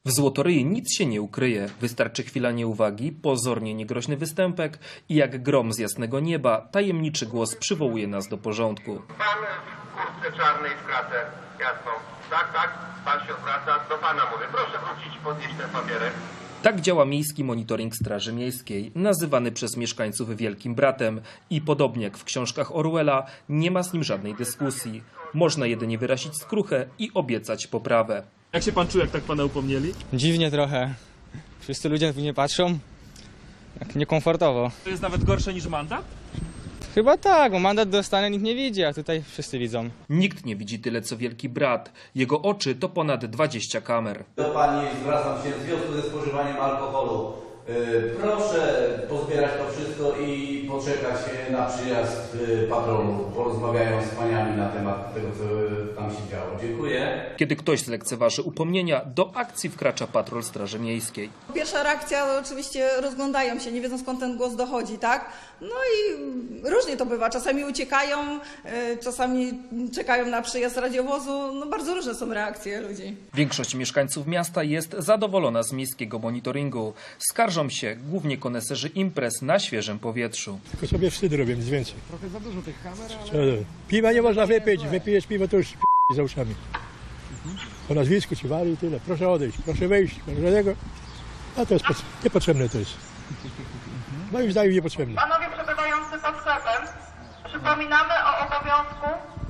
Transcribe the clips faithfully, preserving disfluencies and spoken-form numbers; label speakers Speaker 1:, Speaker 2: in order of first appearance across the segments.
Speaker 1: W Złotoryi nic się nie ukryje. Wystarczy chwila nieuwagi, pozornie niegroźny występek i jak grom z jasnego nieba tajemniczy głos przywołuje nas do porządku.
Speaker 2: Pan w kurtce czarnej w kratę jasną. Tak, tak, pan się odwraca, do pana mówię. Proszę wrócić i podnieść ten papierek.
Speaker 1: Tak działa miejski monitoring Straży Miejskiej, nazywany przez mieszkańców Wielkim Bratem i podobnie jak w książkach Orwella, nie ma z nim żadnej dyskusji. Można jedynie wyrazić skruchę i obiecać poprawę.
Speaker 3: Jak się pan czuje, jak tak pana upomnieli?
Speaker 4: Dziwnie trochę. Wszyscy ludzie tu nie patrzą. Tak niekomfortowo.
Speaker 3: To jest nawet gorsze niż mandat?
Speaker 4: Chyba tak, bo mandat dostanę, nikt nie widzi, a tutaj wszyscy widzą.
Speaker 1: Nikt nie widzi tyle co Wielki Brat. Jego oczy to ponad dwadzieścia kamer.
Speaker 5: Do pani zwracam się w związku ze spożywaniem alkoholu. Yy, proszę pozbierać to wszystko i poczekać na przyjazd yy, patrolu. Porozmawiają z paniami na temat tego, co tam się działo. Dziękuję.
Speaker 1: Kiedy ktoś zlekceważy upomnienia, do akcji wkracza patrol Straży Miejskiej.
Speaker 6: Pierwsza reakcja oczywiście rozglądają się, nie wiedzą skąd ten głos dochodzi, tak? No i różnie to bywa. Czasami uciekają, y, czasami czekają na przyjazd radiowozu. No bardzo różne są reakcje ludzi.
Speaker 1: Większość mieszkańców miasta jest zadowolona z miejskiego monitoringu. Skarżą się głównie koneserzy imprez na świeżym powietrzu.
Speaker 7: Tylko sobie wstyd robię, nic więcej. Trochę za dużo tych kamer, ale... Piwa nie można wypić, wypijesz piwo to już p*** za uszami. Po nazwisku ci wali i tyle. Proszę odejść, proszę wejść, proszę tego. A to jest pod... niepotrzebne to jest. Moim zdaniem niepotrzebne.
Speaker 8: Panowie przebywający pod sklepem, przypominamy o obowiązku,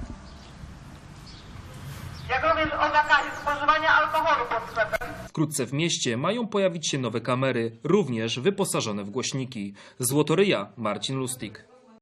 Speaker 8: jak również o zakazie spożywania alkoholu pod sklepem.
Speaker 1: Wkrótce w mieście mają pojawić się nowe kamery, również wyposażone w głośniki. Złotoryja, Marcin Lustig.